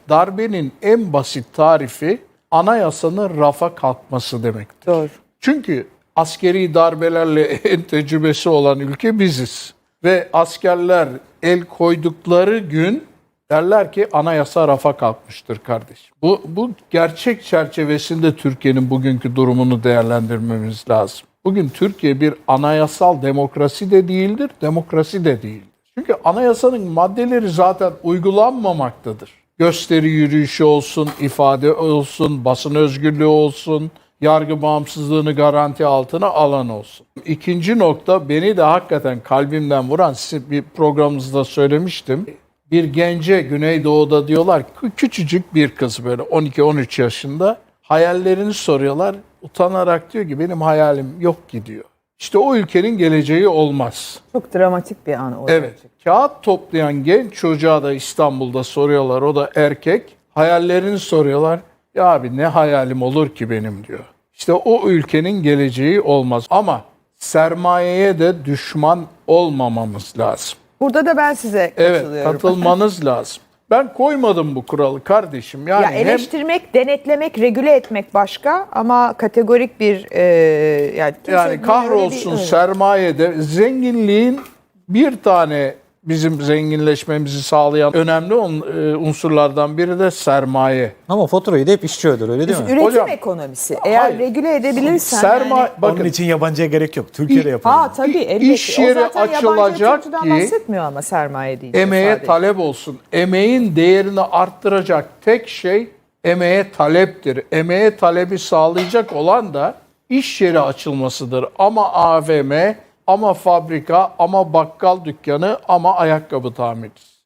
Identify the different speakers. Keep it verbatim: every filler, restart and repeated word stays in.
Speaker 1: darbenin en basit tarifi anayasanın rafa kalkması demektir.
Speaker 2: Doğru.
Speaker 1: Çünkü askeri darbelerle en tecrübesi olan ülke biziz. Ve askerler el koydukları gün derler ki anayasa rafa kalkmıştır kardeşim. Bu, bu gerçek çerçevesinde Türkiye'nin bugünkü durumunu değerlendirmemiz lazım. Bugün Türkiye bir anayasal demokrasi de değildir, demokrasi de değildir. Çünkü anayasanın maddeleri zaten uygulanmamaktadır. Gösteri yürüyüşü olsun, ifade olsun, basın özgürlüğü olsun, yargı bağımsızlığını garanti altına alan olsun. İkinci nokta beni de hakikaten kalbimden vuran, size bir programımızda söylemiştim. Bir gence Güneydoğu'da diyorlar ki küçücük bir kız böyle on iki on üç yaşında hayallerini soruyorlar. Utanarak diyor ki benim hayalim yok ki diyor. İşte o ülkenin geleceği olmaz.
Speaker 2: Çok dramatik bir an o.
Speaker 1: Evet. Kağıt toplayan genç çocuğa da İstanbul'da soruyorlar. O da erkek. Hayallerini soruyorlar. Ya abi ne hayalim olur ki benim diyor. İşte o ülkenin geleceği olmaz. Ama sermayeye de düşman olmamamız lazım.
Speaker 2: Burada da ben size katılıyorum.
Speaker 1: Evet, katılmanız lazım. Ben koymadım bu kuralı kardeşim. Yani
Speaker 2: ya eleştirmek, hem, denetlemek, regüle etmek başka ama kategorik bir e, yani,
Speaker 1: yani kahrolsun bir, sermayede zenginliğin bir tane bizim zenginleşmemizi sağlayan önemli unsurlardan biri de sermaye.
Speaker 3: Ama faturayı da hep işçi öder, öyle değil mi?
Speaker 2: Üretim
Speaker 1: Hocam,
Speaker 2: ekonomisi. Eğer hayır, regüle edebilirsen
Speaker 1: sermaye,
Speaker 2: yani,
Speaker 1: bakın,
Speaker 4: onun için yabancıya gerek yok. Türkiye'de yapalım.
Speaker 2: Ha tabii elbette.
Speaker 1: İş yeri
Speaker 2: o zaten
Speaker 1: açılacak ki
Speaker 2: bahsetmiyor ama sermaye deyince
Speaker 1: emeğe
Speaker 2: sadece.
Speaker 1: talep olsun. Emeğin değerini arttıracak tek şey emeğe taleptir. Emeğe talebi sağlayacak olan da iş yeri açılmasıdır. Ama A V M, ama fabrika, ama bakkal dükkanı, ama ayakkabı tamircisi.